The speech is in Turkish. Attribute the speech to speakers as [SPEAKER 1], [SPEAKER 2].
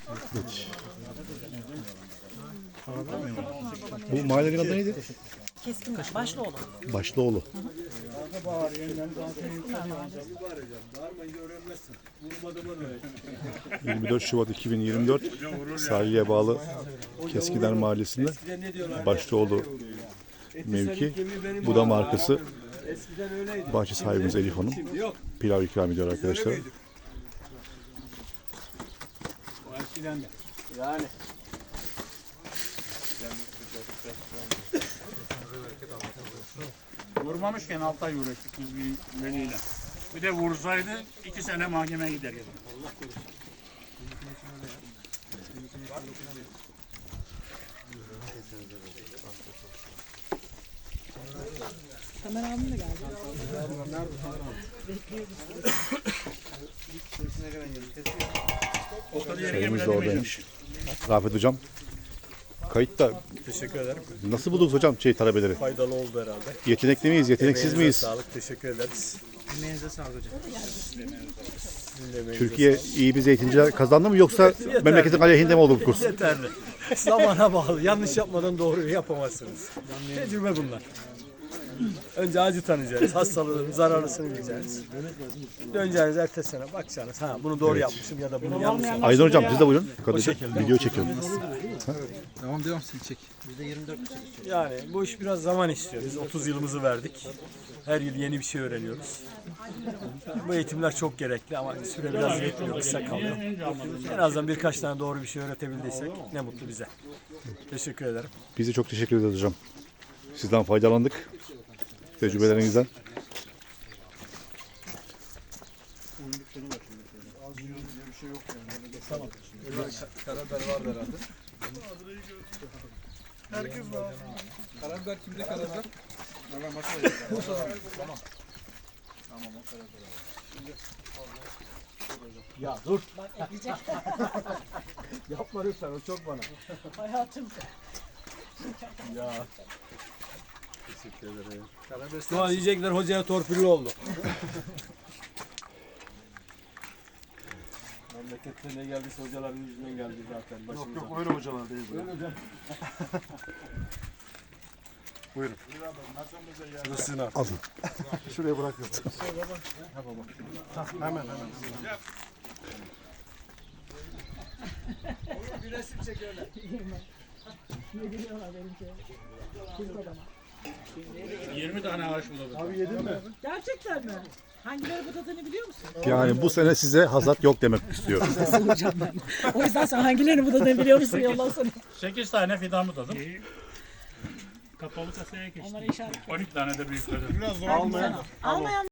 [SPEAKER 1] Bu mahallenin adı neydi?
[SPEAKER 2] Keskin Başlıoğlu.
[SPEAKER 1] Başlıoğlu. 24 Şubat 2024 sahile bağlı Keskider Mahallesi'nde Başlıoğlu mevki. Bu da markası. Bahçe sahibimiz Elif Hanım. Pilav ikram ediyor arkadaşlar.
[SPEAKER 3] Yani.
[SPEAKER 4] Vurmamışken 6 ay uğraştık biz bir veliyle. Bir de vursaydı 2 sene mahkemeye gider gibi.
[SPEAKER 2] Tamer abim de geldi.
[SPEAKER 1] Çayımız da oradaymış. Rafet hocam. Kayıtta.
[SPEAKER 3] Teşekkür ederim.
[SPEAKER 1] Nasıl buldunuz hocam talebeleri?
[SPEAKER 3] Faydalı oldu herhalde.
[SPEAKER 1] Yetenekli miyiz, yeteneksiz
[SPEAKER 3] Emeğinize
[SPEAKER 1] miyiz?
[SPEAKER 3] Sağlık, teşekkür ederiz.
[SPEAKER 5] Emeğinize sağlık hocam.
[SPEAKER 1] Türkiye iyi bir zeytinciler kazandı mı yoksa memleketin aleyhinde mi oldu bu kurs?
[SPEAKER 3] Yeterli. Zamana bağlı. Yanlış yapmadan doğruyu yapamazsınız. Tecrübe bunlar. Önce acı tanıyacaksınız. Hastalığın zararlısını bileceksiniz. Döneceğiniz ertesi sene bakacaksınız. Ha bunu doğru yapmışım ya da bunu yanlış yapmışım.
[SPEAKER 1] Aydın hocam siz de buyurun. Video çekiyorum.
[SPEAKER 5] Devam sen çek.
[SPEAKER 3] Yani bu iş biraz zaman istiyor. Biz 30 yılımızı verdik. Her yıl yeni bir şey öğreniyoruz. Bu eğitimler çok gerekli ama süre biraz yetmiyor, kısa kalıyor. En azından birkaç tane doğru bir şey öğretebildiysek ne mutlu bize. Teşekkür ederim.
[SPEAKER 1] Biz de çok teşekkür ederiz hocam. Sizden faydalandık. Tecrübelerinizden.
[SPEAKER 5] Karabiber var herhalde. Herkes var. Karabiber kimde karabiber?
[SPEAKER 3] Ya dur. Yapma lütfen, o çok bana.
[SPEAKER 2] Hayatım.
[SPEAKER 3] Ya. Teşekkür ederim. Şu an diyecekler hocaya torpilli oldu. Memlekette ne geldiyse hocaların yüzünden geldi zaten başımıza.
[SPEAKER 5] Yok öyle hocalar değil.
[SPEAKER 3] Buyurun. Şurasını al.
[SPEAKER 1] Alın.
[SPEAKER 5] Şuraya bırakıyorum. Hemen.
[SPEAKER 3] Bir resim çekiyorlar.
[SPEAKER 2] Ne gülüyorlar benimki. Kız adama.
[SPEAKER 4] 20 tane ağaç buladık.
[SPEAKER 3] Abi yedin mi?
[SPEAKER 2] Gerçekten mi? Hangileri budadığını biliyor musun?
[SPEAKER 1] Yani bu sene size hasat yok demek istiyorum.
[SPEAKER 2] Soracağım ben. O yüzden sen hangilerini budadığını biliyor musun? Yollasana.
[SPEAKER 4] 8 tane fidan buladım. Kapalı kasaya geçtim.
[SPEAKER 2] Onları işaret.
[SPEAKER 4] 12 tane de büyükledim.
[SPEAKER 3] Almayan.
[SPEAKER 2] Almayan